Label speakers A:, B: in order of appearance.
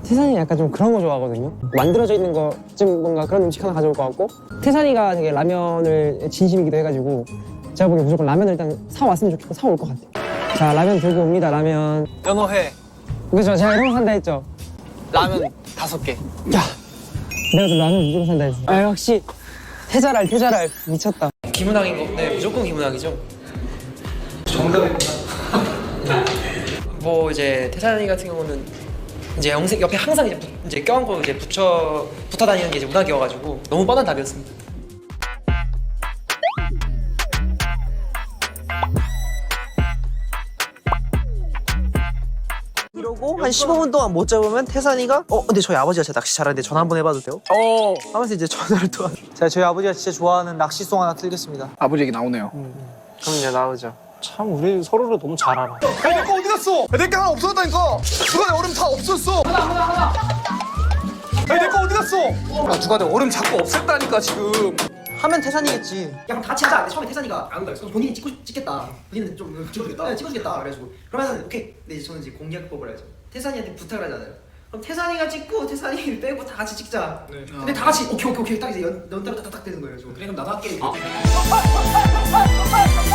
A: 태산이 약간 좀 그런 거 좋아하거든요. 만들어져 있는 거 좀 뭔가 그런 음식 하나 가져올 것 같고, 태산이가 되게 라면을 진심이기도 해가지고 제가 보기엔 무조건 라면을 일단 사왔으면 좋겠고 사올 것 같아요. 자, 라면 들고 옵니다. 라면.
B: 연어회
A: 그죠? 제가 이런 거 산다 했죠?
B: 라면 5개.
A: 야, 내가 또 라면 무조건 산다 했어. 아, 역시 태자랄 미쳤다.
B: 김은학인 거? 네, 무조건 김은학이죠.
C: 정답입니다.
B: 뭐 이제 태산이 같은 경우는 이제 영생 옆에 항상 이제 껴안고 이제 붙어 다니는 게 이제 문학이어가지고 너무 뻔한 답이었습니다.
D: 이러고 한 15분 동안 못 잡으면 태산이가 근데 저희 아버지가 진짜 낚시 잘하는데 전화 한번 해봐도 돼요? 하면서 이제 전화를 또 제가 저희 아버지가 진짜 좋아하는 낚시송 하나 틀겠습니다.
C: 아버지 얘기 나오네요.
D: 그럼 이제 나오죠.
A: 참 우리 서로를 너무 잘 알아.
C: 야, 내거 어디 갔어? 내 거 하나 없어졌다니까. 주간에 얼음 다 없었어. 하나. 야, 내거 어디 갔어? 아, 주간에 얼음 자꾸 없앴다니까 지금.
D: 하면 태산이겠지.
E: 야 그럼 다 같이 하자. 근데 처음에 태산이가 안 온다 그래서 본인이 찍겠다. 본인은 좀 찍어주겠다. 네, 찍어주겠다. 그래가지고 그러면 오케이. 근데 이제 저는 이제 공략법을 하죠. 태산이한테 부탁을 하잖아요. 그럼 태산이가 찍고 태산이를 빼고 다 같이 찍자. 네. 근데 다 같이 오케이 딱 이제 연타로 딱딱 되는 거예요. 그래 그럼 나도 할게.